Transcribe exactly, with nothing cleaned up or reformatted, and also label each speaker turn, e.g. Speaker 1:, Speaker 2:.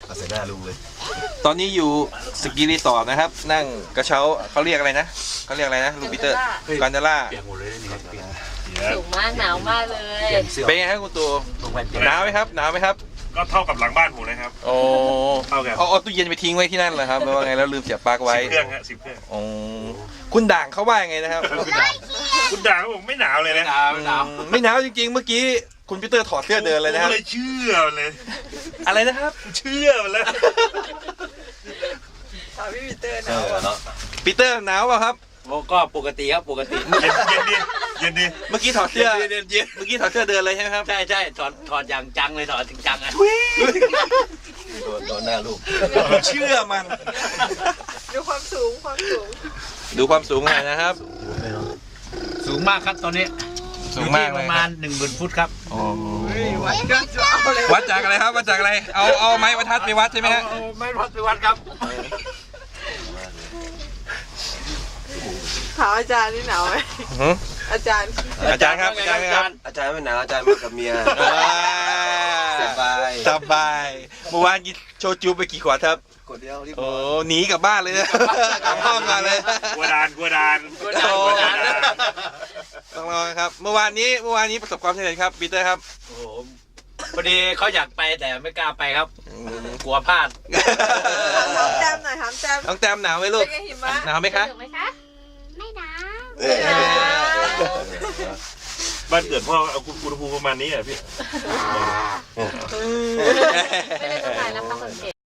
Speaker 1: เอาใส่หน้าลุงเลย
Speaker 2: ตอนนี้อยู่สกีรีสอร์ทนะครับ นั่งกระเช้าเขาเรียกอะไรนะเขาเรียกอะไรนะลูปิเตอร์กอนเดล่า
Speaker 3: เปียกหมดเลยนี่เปียก
Speaker 4: สูงมากหนาวมากเลย
Speaker 2: เป็นไงครับคุณตู่หนาวไหมครับหนาวไหมครับ
Speaker 5: ก็เท่ากับหลังบ้านผมเลยครับ
Speaker 2: โอ้
Speaker 5: เท่ากัน
Speaker 2: เอาเอาตู้เย็นไปทิ้งไว้ที่นั่นเหรอครับหรือว่าไงแล้วลืมเสียบปลั๊กไว้
Speaker 5: สิบเครื่องฮะสิบเครื่อง
Speaker 2: โอ้คุณด่างเขาว่ายังไงนะครับ
Speaker 5: คุณด่าเขาบอกไม่หนาวเลยนะ
Speaker 3: หนาวหนาว
Speaker 2: อืมไม่หนาวจริงๆเมื่อกี้คุณพีเตอร์ถอดเสื้อเดินเลยนะครับ
Speaker 5: ผมเลยเชื่อมันเลย
Speaker 2: อะไรนะครับ
Speaker 5: เชื่อมันแล้ว
Speaker 4: ถามพี่ปีเตอร์ห
Speaker 1: เอ
Speaker 4: นาว
Speaker 1: อเนาะ
Speaker 2: ปีเตอร์หนาวเปล่าครับ
Speaker 3: ก็ปกติครับปกติ
Speaker 5: เย็นเย็นดีเย็นดี
Speaker 2: เมื่อกี้ถอดเสื้อ
Speaker 3: เย็นเย็น
Speaker 2: เมื่อกี้ถอดเสื้อเดินเลยใช่ไหมครับ
Speaker 3: ใช่ใช่ถอดถอดอย่างจังเลยถอดถึงจังอ่ะ
Speaker 1: โดนโดนหน้าลูก
Speaker 2: เชื่อมัน
Speaker 4: ดูความสูงความสูง
Speaker 2: ดูความสูงหน่อยนะครับ
Speaker 3: สูงมากครับตอนนี้
Speaker 2: สูงมาก
Speaker 3: อยู่
Speaker 2: เล
Speaker 3: ที่
Speaker 2: ย
Speaker 3: ประมาณหนึ่งหมื่นฟุตครับ
Speaker 2: อ๋อ
Speaker 4: วัดก็จะเอาเลย
Speaker 2: วัดจากอะไรครับวัดจากอะไรเอาเอาไม้บรรทัดไปวัดใช่ไหมฮะ
Speaker 3: เอาไม่พัดไปวัดครับ
Speaker 4: ถามอาจารย์นี่หนาวไหม
Speaker 2: หือ
Speaker 4: อาจารย์
Speaker 2: อาจารย์ครับอาจารย์ครับ
Speaker 1: อาจารย์ไม่หนาวอาจารย์มากับเมีย สบาย
Speaker 2: สบายเมื่อวานกินโชจูไปกี่ขวดครับ
Speaker 1: กดเดียวรีบ
Speaker 2: โอ้หนีกลับบ้านเลยนะกลับห้องมาเลย
Speaker 5: กลัวดานกลัวดาน
Speaker 3: กลัวดานกลัวดาน
Speaker 2: ต้องรอครับเมื่อวานนี้เมื่อวานนี้ประสบความสำเร็จครับปีเตอร์ครับ
Speaker 3: โอ้โหพอดีเขาอยากไปแต่ไม่กล้าไปครับ กลัวพลาด
Speaker 4: ถามแจมหน่อยถามแจม
Speaker 2: น้องแต้มหนาวไหมลู
Speaker 4: เป็
Speaker 2: ก
Speaker 4: นไงหิมะ
Speaker 2: หนาวไหมคะ
Speaker 6: ถูกไหมคะ ไม่หนาว
Speaker 1: เออ
Speaker 5: บ้านเกิดพ่อเอาอุณหภูมิประมาณนี้อ่ะพี่
Speaker 6: ไม่ได้ต้องการรับความสังเกต